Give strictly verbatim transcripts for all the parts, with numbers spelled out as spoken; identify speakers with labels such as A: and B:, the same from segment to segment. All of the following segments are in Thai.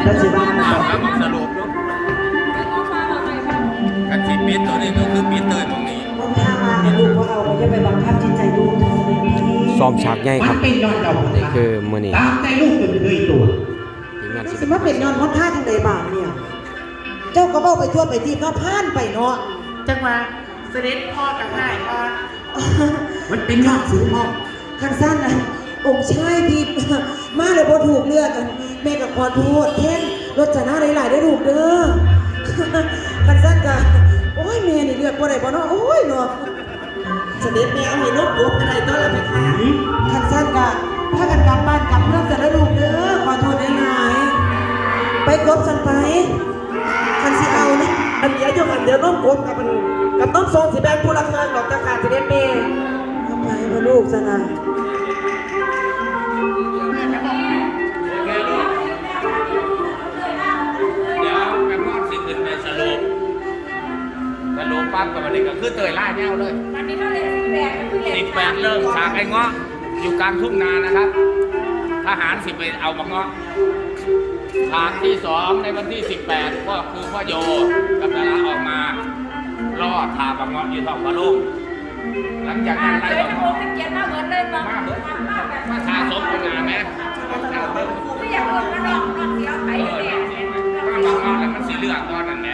A: แล้วสิบ้าน
B: ถามว่าสรุปลูกกันสิปิดตัวนี้ก็คือปิดเตยมองนี้
A: พ่อพามาลูกพ่อเอาไปจะไปบังคับจิตใจลูกเธอเลยพี่
C: ซ้อมฉากใหญ่ครับ
D: มันเป็นยอดดอก
C: นี่คือมื้อนี้
D: ตามใจลูกจนเลยตัว
C: ทีมงาน
A: สิ
C: ศิล
A: มา
C: ปะ
A: เป็นนอนพ่อพาทางใดบ้างเนี่ยเจ้าก็บอกไปทั่วไปที่ก็พานไปเนาะ
E: จังหวะเสด็จพ่อกับง่ายพ่อ
D: มันเป็นยอดสูงมาก
A: คันสั้นนะองค์ชายที่มาเลยพอถูกเลือกกันแม่กับขอโทษเท่นรถจะหน้าหลายๆได้ถูกเด้อคันสั้นกันโอ้ยแม่นี่เลือกบ่ได้บ่เนาะโอ้ยเนาะเสด็จแม่เอาให้นกกบอะไรต้อนรับไปค่ะคันสั้นกันถ้ากันกลับบ้านกลับเมืองจะได้ถูกเด้อขอโทษได้หลายไปกบสันไปคันสิเอานะอันเดียวอยู่กันเดียวน้องกบกับมันกับน้องทรงสีแดงผู้รักเงินดอกตะขาเสด็จแม่ทำไมมาลูกซะนะ
B: เดี๋ยวแม่พ่อสิขึ้นไปสรุปสรุปปั๊บกับมันนี่ก็คือเตยล่าแนวเลย
F: วันนี้เท่าไหร่สิบแปดก็คือ
B: สิบแปดเริ่มฉากไอ้เงาะอยู่กลางทุ่งนานะครับทหารสิบไปเอามาเงาะฉากที่สองในวันที่สิบแปดก็คือพ่อโยกับดาราออกมาล่อทาบังเงาะอยู่ท้องพระโรงหลังจาก
F: อ่า
B: นั้น
F: เค
B: ไล่
F: ย
B: บัง
F: ทำโม
B: เงาะ
F: เป็นเกียรติมาเหมือนเลยบาง
B: มาเบิด
F: มาแบบ
B: มาทาสมเป็นงานไหม
F: ไม่อยากลงมาลองลองเสียวไป
B: เออ
F: เนี่ย
B: มาบังเงาะแล้วมันสีเลือดตอนนั้นแหละ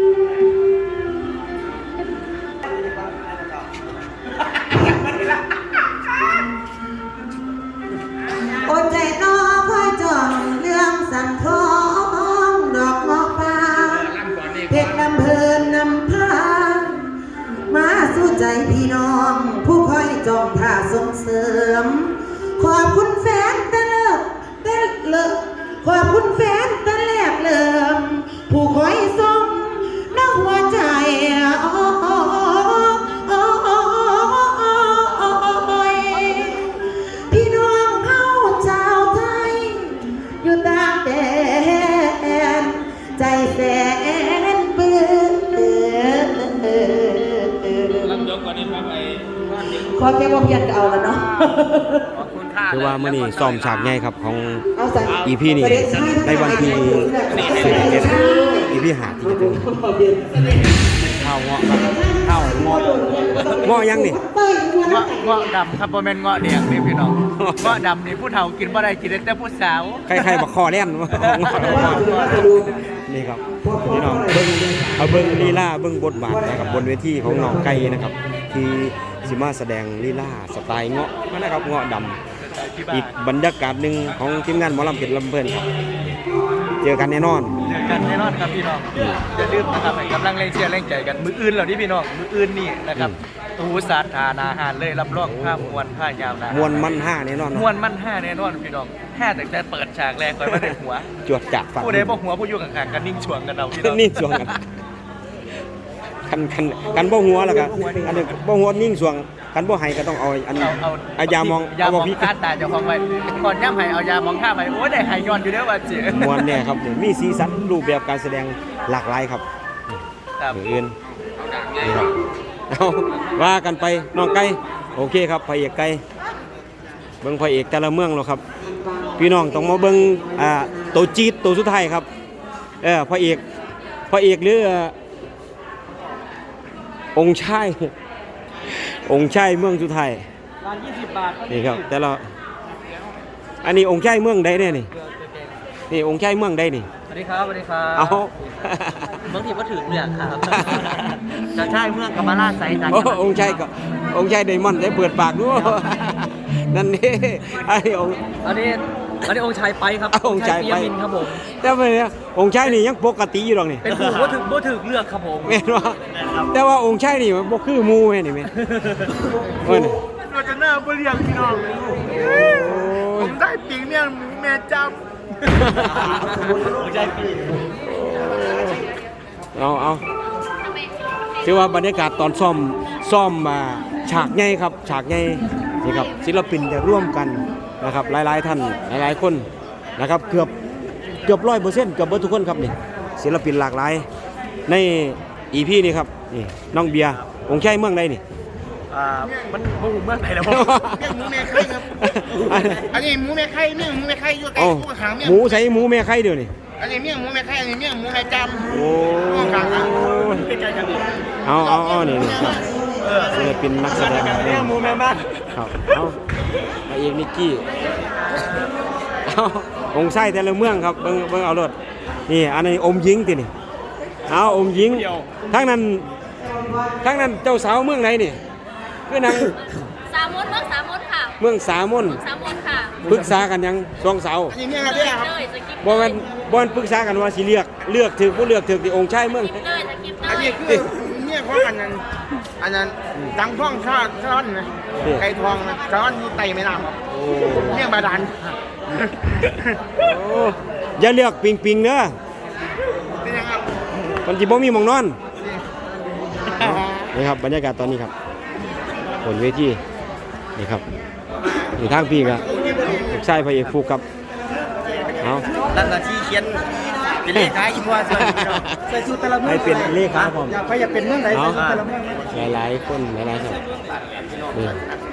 A: อดใจรอคอยจ้องเรื่องสันทองดอกเงาะป่า
B: ล่ำก่อนนี่
A: เพ
B: ก่อ
A: ช
B: น
A: รลำเพลินนำพามาสู้ใจพี่น้อง ผู้คอยจ้องท่าส่งเสริม ขอบคุณแฟนตะเลิกตะเลิกขอบคุณแฟนตะแลกเลิมผู้คอยส่งน้องหัวใจโอ้โอ้โอ้โอ้โอ้พี่น้องเฮาชาวไทย อยู่ต่างแดนใจแสนเปื้อน
B: ล่ำยกก่อนนี่ครับไอ้ว่าเด็ก
A: ขอแค่ว่าเพียนก็เอาแล้วเนาะ
B: ขอบคุณค่า
C: คือว่ามื้อนี้ซ้อมฉากใหญ่ครับของ
A: เอาใส่
C: อี พี นี่ในวันที่สิบเจ็ด อี พี ห้าที่จะถึงข้าวเงาะครับข้าวเงาะเงาะยังนี่
E: เงาะเงาะดำครับโมเมนเงาะแดงนี่พี่น้องเงาะดำนี่ผู้เฒ่ากินบ่ได้กินได้แต่ผู้สาว
C: ใครๆบักคอแล่นนี่ครับพี่น้องเบิ่งเอาเบิ่งลีลาเบิ่งบทบาทนะครับบนเวทีของน้องไก่นะครับ ที่สิมาแสดงลีลาสไตล์เงาะนะครับเงาะดำอีกบรรยากาศหนึ่งของทีมงานหมอลำเพชรลำเพลินครับเจอกันแน่นอน
E: เจอกันแน่นอนครับพี่น้องอย่าลืมนะครับให้กำลังแรงเชียร์แรงใจกันมืออื่นเหล่านี้พี่น้องมืออื่นนี่นะครับตูสาธานาหารเลยรับรองผ้ามวลผ้ายาวนะ
C: มวนมันห้าแน่นอน
E: มวลมันห้าแน่นอนพี่น้องห้าแต่แต่เปิดฉากแรกก่อนมาได้หัว
C: จวดจัดฟัง
E: ผู้ใดบ่หัวผู้อยู่ข้างๆกันนิ่งช่วงกันเอาพี่น้อง
C: นิ่งสวงกันกันกันกันบ่หัวแล้วก็อันนี้บ่หัวนิ่งสวงกันบ่ให้ก็ต้องเอาอัน
E: เอาเอา
C: เอายามอง
E: ยา
C: เอา
E: ม
C: บ่
E: อง
C: พริก
E: คาดตาเจ้าของไว้ก่อนย่ำให้เอายามองท่าไปโอ้ยได้หายย้อนอยู่เด้อว่าจิ
C: มวนเนี่ยครับมีสีสันรูปแบบการแสดงหลากหลายครับ
E: ครับ
C: มืออื่นนี่ครับเอาว่ากันไปน้องไก่โอเคครับพระเอกไก่เบิ่งพระเอกแต่ละเมืองแล้วครับ พี่น้องต้องมาเบิ่งอ่าตัวจี๊ดตัวสุดท้ายครับเออพระเอกพระเอกหรือองค์ชายองค์ชายเมืองสุดท้าย
E: ร้านยี่สิบบาท
C: นี่ครับแต่ละอันนี้องค์ชายเมืองใดเนี่ยนี่นี่องค์ชายเมืองใดนี่
E: สวัสดีครับสวัสดีครับ
C: เอา
E: เมืองที่ว่าถึงเรื่องครับจะใช่เมืองกัมมาลาไซจัน
C: โอ้องค์ชายก็องค์ชายไดมอนด์ได้เปิดปากด้วยนั่นนี่ไอ้องค์
E: อันนี้อันนี้องค์ชายไปครับ
C: เอาองค์ชายไป
E: เปียมินครับผม
C: แต่ว่าเนี่ยองค์ชายนี่ยังปกติอยู่หรอกนี่
E: เป็นผู้ว่าถึงว่าถึงเลือกครับผม
C: แม่นว่าแต่ว่าองค์ชายนี่มันบ่คือหมู่แม่นี่แม่เอ้ยนี่
E: เราจะหน้าเปลี่ยนพี่น้อง
C: โอ้ย
E: ผมได้ปีกเนี่ยหมูแม่จำองค์ชายปี
C: เอาเอาถือว่าบรรยากาศตอนซ่อมซ่อมมาฉากใหญ่ครับฉากใหญ่นี่ครับศิลปินจะร่วมกันนะครับหลายๆท่านหลายๆคนนะครับเกือบเกือบร้อยเปอร์เซ็นต์เกือบเบิดทุกคนครับนี่ศิลปินหลากหลายในอีพีนี้ครับนี่น้องเบียร์องค์ชายเมืองใดนี่
E: อ่ามันบ่หูเมืองไหนแล้วผม
D: เรียกหมูแม่ไข่ครับ อันนี้หมูแม่ไข่เนี่ยหมูแม่ไข่อยู่ใกล้
C: เอ้า
D: คู่หางเนี่ย
C: หมูใส่หมูแม่ไข่เดียวนี่
D: ออันนี้เมี่ยงหมูแม่ไข่อันนี้เมี่ยงหมูแม่จัน
C: โอ้เอาเอาเอานี่นี่ครับศิลปินนักแสดง
E: เมี่ยงหมูแม่บ้าน
C: ครับเอาพระเอกนิกกี้เอาองค์ไส้แต่ละเมืองครับเบิ่งเบิ่งเอารถนี่อันนี้อมหญิงตินี่เอาอมหญิงทั้งนั้นทั้งนั้นเจ้าสาวเมืองไหนนี่คือนาง
F: สามมดเมืองสามมดค่ะ
C: เมืองสามน
F: สามมดค่ะ
C: ปรึกษากันยังสองสาว
D: อันนี้เมี่ยงอะไรครับ
F: เลยจะกิน
C: บ่แม่นบ่แม่นปรึกษากันว่าสิเลือกเลือกถือผู้เลือกถือที่องค์ชายเมือง
F: กินเลยจะกินเล
D: อัน
F: ย
D: นี้คือเมี่ยงของอันนั้นอันนั้นดังท่องชาติช้อนนะไก่ทองนะช้อนอยู่ไตไม่น้ำครับ
C: โอ้
D: เมี่ยงบาดาล
C: โอ้อย่าเลือกปิงปิงเด้อ
D: เป็นยังครับ
C: มันสิบ่มีหม่องนอนนี่ครับบรรยากาศตอนนี้ครับบนเวทีนี่ครับอยู่ทางพี่ก็ลูกชายพระเอกฟูกครับเอา
E: นั่นน่ะที่เขียนเป็นเลขาอีพัวใส่ใส่ชุดตะละเมือง
C: ให้เป็นเลขาผม
E: อยากไปอยากเป็นเมืองไหน
C: เอา
E: ใส่ชุดตะละเมือง
C: หลายๆคนหลายๆครับนี่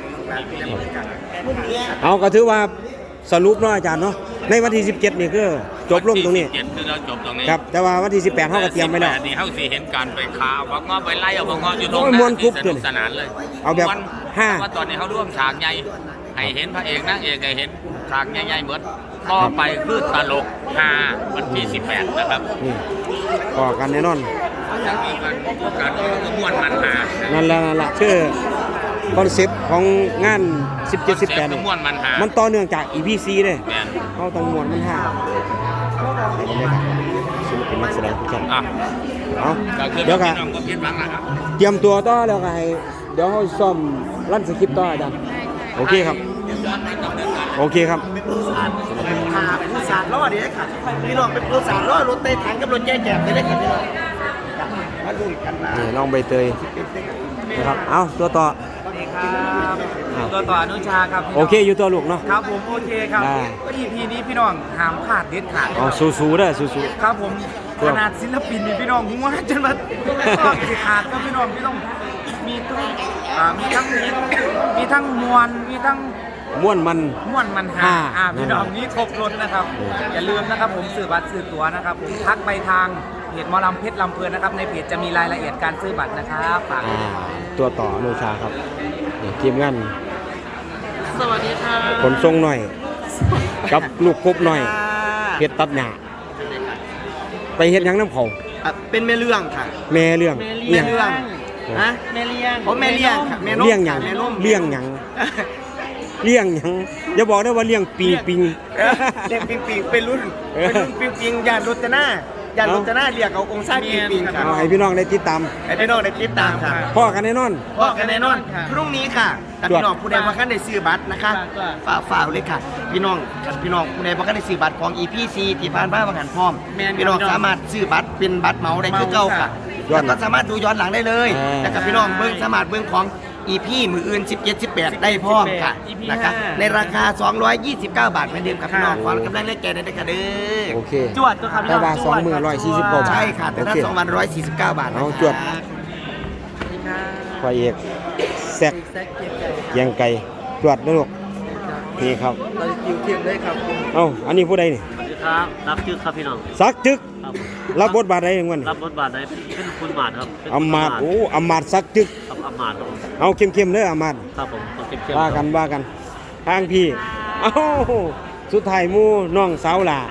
C: เอาก็ถือว่าสรุปเนาะอาจารย์เนาะในวันที่สิบเจ็ดนี่คือจบลงตรงนี้
B: เจ็ดคือเราจบตรงนี้
C: ครับแต่ว่าวันที่สิบแปดเฮาก็เตรียมไว้แล้ว
B: สิบปดนี่เฮาสิเห็นการไปค้าวักงอไปไล่เอาวักงออยู่ตรง
C: โอ้ยม่วนกรุ๊ป
B: สนุกสนานเลย
C: เอาแบบ
B: ม่วน
C: ห้า
B: เพระว่าตอนนี้เขาร่วมฉากใหญ่ให้เห็นพระเอกนางเอกให้เห็นฉากใหญ่ๆเหมือนต่อไปคือตลกฮาวันที่สิบแปดนะครับ
C: นี่ก่อกันแน่นอน
B: จากนี้กันการก็ม่วนมันหา
C: นั่นแหละนั่นแหละคือคอนเซปต์ของงานสิบเจ็ด สิบแปด
B: ก็ม่วนมันหา
C: มันต่อเนื่องจาก อี พี ซี เด้
B: แม่น
C: เขาต้องมวนมันห้าศิลปินนักแสดงทุกท่าน
B: อ่ะ
C: เอา
B: ก็คือ
C: เดี๋ยวก็
B: พี่น้องก็คิดหวังนะครับ
C: เตรียมตัวต่อแล้วก็ให้เดี๋ยวเขาซ่อมลั่นสคริปต์ต่ออาจารย์โอเคครับ โอเคครับ
E: ขาผู้สารล้อเดี๋ยวค่ะพี่น้องเป็นผู้สารล้อรถเตะถังกับรถแย่แจกไปเลยค่ะพี่น้องมาลุ้นกันนะ
C: นี่น้องใบเตยนะครับ เอาตัวต่อ
E: สวัสดีครับตัวต่ออนุชาครับพี่น้ง
C: โอเคอยู่ตัวลูกเนาะ
E: ครับผมโอเคครับ
C: ได้
E: อีพีนี้พี่น้องห้ามขาดเด็ดขาด
C: อ๋อสู้ๆเด้อสู้
E: ครับผมขนาดศิลปินนี่พี่น้องหัวจนมาก็สิขาดก็พี่น้องพี่ต้องมีทั้งอ่ามีทั้งมีมีทั้งมวลมีทั้ง
C: ๆม่วนมัน
E: ม่วนมันหา
C: อ่า
E: อ่าพี่น้องนี่ครบรถนะครับ อย่าลืมนะครับผมซื้อบัตรซื้อตั๋วนะครับผมทักไปทางเพจหมอลำเพชรลำเพลินนะครับในเพจจะมีรายละเอียดการซื้อบัตรนะครับฝาก
C: อ่าตัวต่ออนุชาครับนี่ทีมงาน
E: สวัสดีค่ะ
C: ขนส่งหน่อย กับลูกกบหน่อยเพชรตัดหญ้าไปเฮ็ดหยังน้ำเขา
E: เป็นแม่เรื่องค่ะ
C: แม่เรื่อง
E: แม่เรื่อง
C: ฮะ
E: ฮะแม่เลี้ยงผมแม่เลี้ยงค่ะแม่นม
C: เลี้ยงหยัง
E: ค่ะแม่นม
C: เลี้ยงหยังเลี้ยงหยังอย่าบอกได้ว่าเลี้ยงปิงปิง
E: เลี้ยงปิงปิงเป็นรุ่นเป็นรุ่นปิงปิงยานรจนา ยานรจนาเรียกเอาองค์ชายปิงปิงค่ะ
C: เอาให้พี่น้องได้ติดตาม
E: ให้พี่น้องได้ติดตามค่ะ
C: พ่อกันแน่นอน
E: พ่อกันแน่นอนพรุ่งนี้ค่ะแต่พี่น้องผู้ใดบ่คันได้ซื้อบัตรนะคะฝากฝากเลยค่ะ พี่น้องพี่น้องผู้ใดบ่คันได้ซื้อบัตรของ อี พี ซี ที่ผ่านมาบางหันพร้อมพี่น้องสามารถซื้อบัตรเป็นบัตรเหมาได้คือเก่าค่ะ
C: ย้อน
E: แล้วก็สามารถดูย้อนหลังได้เลย
C: อ่า
E: แล้วก็พี่น้องเบิ่งสามารถเบิ่งของ อี พี มืออื่นสิบเจ็ด สิบแปดได้พร้อมค่ะนะคะในราคาสองร้อยยี่สิบเก้าบาทเหมือนเดิมครับพี่น้องขอกำลังเล่นใจได้ด้วยค่ะเด้อ
C: โอเค
E: จวดก็ครับพี่
C: แต่
E: น้อง
C: ว่าสองมือร้อยสี่สิบกว่าบาท
E: ใช่ค่ะแต่ถ้า
C: โอเค
E: สองวันร้อยสี่สิบเก้าบาท
C: เอา
E: นะคะ
C: จวด พ่อเอกแซกเกียงไก่จวดนะลูกนี่ครับ
E: เราคิวเทียมได้ครับ
C: เอ้าอันนี้ผู้ใดนี่
G: สวัสดีครับรับชื่อครับพี่น้อง
C: สักจึก
G: ครับ
C: รับบทบาทใดอย่างวัน
G: รับบทบาทไหนเป็นคุณหมาดครับเป็น
C: อำมาตย์โอ้อำมาตย์สักจึก
G: ครับอำมาตย์ครับผม
C: เอาเข้มๆเด้ออำมาตย์
G: ครับผมต้องเข้มเข้ม
C: ว่ากันว่ากันทางพี่เอ้าสุดท้ายหมู่น้องสาวหล่าร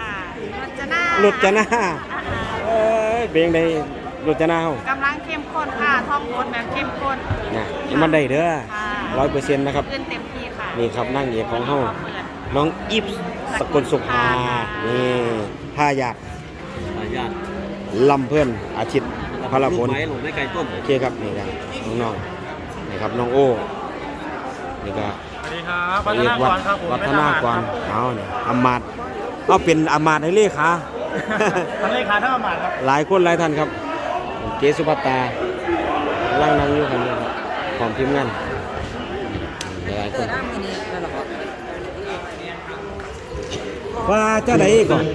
F: จนา
C: รถจะหน้าเอ้ยเบงได้รถจะหน้าเฮาก
F: ำลังเข้มข้นค่ะท่องบทแบบเข้มข้น
C: น่ะมันได้เด้อ
F: ค่ะ
C: ร้อยเปอร์เซ็นต์นะครับ
F: ขึ้นเต็มที่ค่ะ
C: นี่ครับนั่งเอกของเฮาน้องอิฟสกลสุภานี่พายา
G: ขออนุญาต
C: ลำเพื่อนอาทิตย์พลพล
G: ลูกไม้หลงไม่ไกลต้น
C: โอเคครับนี่ครับน้องๆนี่ครับน้องโอ้นี่ก็
E: สวัสดีครับ
C: เรียกวัดวัฒนากรเอาเนี่ยอำมาตย์เอาเป็นอำมาตย์ให้เลขา
E: ท่านเลขาท่านอำมาตย์ครับ
C: หลายคนหลายท่านครับเกสุภัตตาล่างนั่งอยู่กันนี่ครับพร้อมทีมงานหลายคนว่าเจ้าไหนก่อน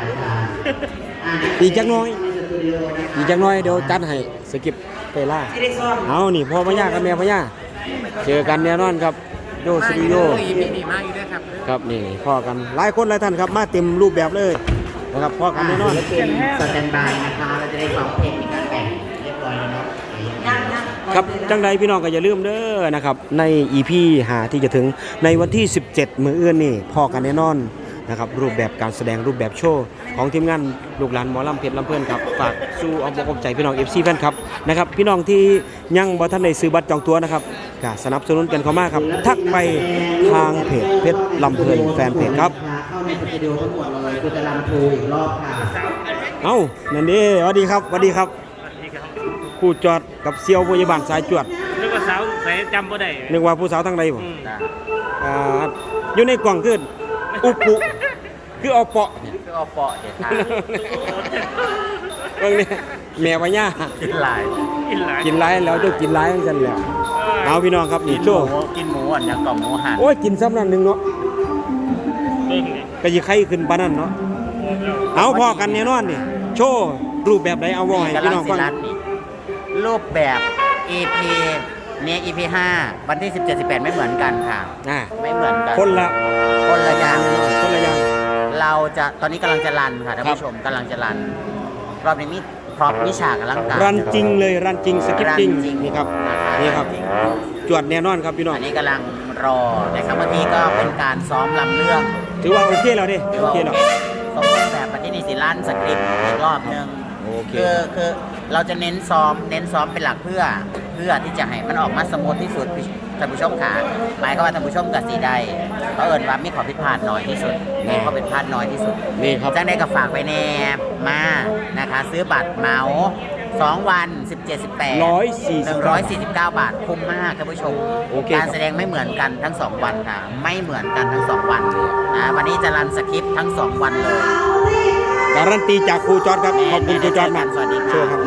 C: อีกจักหน้อยอีกจักหน้อยเดี๋ยวจัดให้สกิปเปล่าเอานี่พ่อพญากับแม่พญาเจอกันแน่นอนครับโยสตูดิโอ
E: อีพีดีมากอยู่ด้วยครับ
C: ครับนี่พ่อกันหลายคนหลายท่านครับมาเต็มรูปแบบเลยนะครับพ่อกันแน่นอน
E: สแตนบายนะคะเราจะได้ฟังเพลงอีกการแต่งเรียบร้อยแล้วเนาะ
C: ครับจังใดพี่น้องก็อย่าลืมเด้อนะครับใน อี พี ห้าที่จะถึงในวันที่ สิบเจ็ด มื้ออื่นนี่พ่อกันแน่นอนนะครับรูปแบบการแสดงรูปแบบโชว์ของทีมงานลูกหลานหมอลำเพชรลำเพื่อนครับฝากสู่เอาอกเอาใจพี่น้อง เอฟ ซี แฟนครับนะครับพี่น้องที่ยังบ่ทันได้ซื้อบัตรจองตั๋วนะครับก็สนับสนุนกันเข้ามาครับทักไปทางเพจเพชรลำเพลินแฟนเพจครับ
E: เข้าในสตูดิโอทั้งหมดเลยคือจะรำโชว์อีกรอบค่ะ
C: เอ้านั่นเด้สวัสดีครับสวัสดีครับครู่จอดกับเซียวพยาบาลสายจวด
G: นึกว่าสาวใส่จำบ่ได้
C: นึกว่าผู้สาวทางใดบ่อ่าอยู่ในกล่องคืออุปุคือเอาเปาะเนี่ย
E: คือเอาเปาะเด็ดขาด
C: เบิ่งนี่แม่ว่าย่า
E: กินหลาย
G: กินหลาย
C: กินหลายแล้วเจ้ากินหลายจังซั่นแหละเอาพี่น้องครับนี่โชว์
E: กินหมูอ่ะอย่างกล่องหมูหัน
C: โอ้ยกินซ้ำนั่นหนึงเนาะ
G: เบิ่งนี่
C: ก็สิไข่ขึ้นปานนั้นเนาะเอาพอกันแน่นอนนี่โชว์รูปแบบใดเอาเว้าให้พี่น้องฟัง
E: รูปแบบ อี พี เนี่ย อี พี ห้า วันที่ สิบเจ็ด สิบแปด ไม่เหมือนกันค่ะ
C: อ่า
E: ไม่เหมือนกัน
C: คนละ
E: คนละอย่าง
C: คนละอย่าง
E: เราจะตอนนี้กำลังจะรันค่ะท่าน
C: ครับ
E: ผู้ชมกำลังจะรัน รอบนี้มีพร็อพมีฉากอลังการ
C: รันจริงเลยรันจริงสคริปต์จริง
E: รันจริง
C: นี่ครับ
E: นะคะ
C: นี่ครับ
E: จริง
C: จวดแน่นอนครับพี่น้อง
E: อันนี้กำลังรอนะครับเมื่อกี้ก็เป็นการซ้อมลำเรื่อง
C: ถือว่าโอเคแล้วดิโอเคแล้ว
E: สมบูรณ์แบบมาที่นิสิลันสคริปต์อีกรอบหนึ่ง
C: โอเค
E: คือคือเราจะเน้นซ้อมเน้นซ้อมเป็นหลักเพื่อ เพื่อที่จะให้มันออกมาสมูทที่สุดท่านผู้ชมขาหมายความว่าท่านผู้ชมกับสีใดเพราะเอิญว่ามีขอผิดพลาดน้อยที่สุดมีข้อผิดพลาดน้อยที่สุด
C: นี่ครับ
E: จังได้กับฝากไปแนบมานะคะ ซื้อบัตรเหมาสองวัน สิบเจ็ด สิบแปด
C: ร้อยสี่สิบ
E: หนึ่งร้อยสี่สิบเก้าบาทคุ้มมากท่านผู้ชม
C: โอเค
E: การแสดงไม่เหมือนกันทั้งสองวันค่ะ ไม่เหมือนกันทั้งสองวันอ่าวันนี้จะรันสคริปต์ทั้งสองวันเลย
C: การันตีจากครูจอร์ดครับขอบคุณครูจอร์ดมาก
E: สวัสดีครับ
C: โชว์ครับ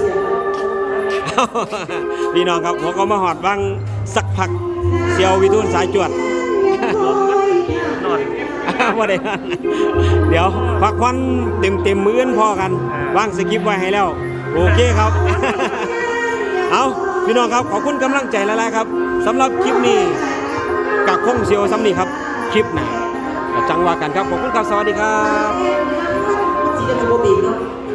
C: พี่น้องครับผมก็มาหอดบ้างสักพักเซียววิทูลสายจวด
G: นอน
C: ว่าได้เดี๋ยวพักควันเต็มเต็มๆมื้อนพอกันวางสคริปต์ไว้ให้แล้ว โอเคครับ เอาพี่น้องครับขอบคุณกำลังใจหลายๆครับสำหรับคลิปนี้กักคงเซียวซ้ำนี่ครับคลิปหน้าก็จังว่ากันครับขอบคุณครับสวัสดีครับ
A: ที่จะเป็นโบบีเนาะ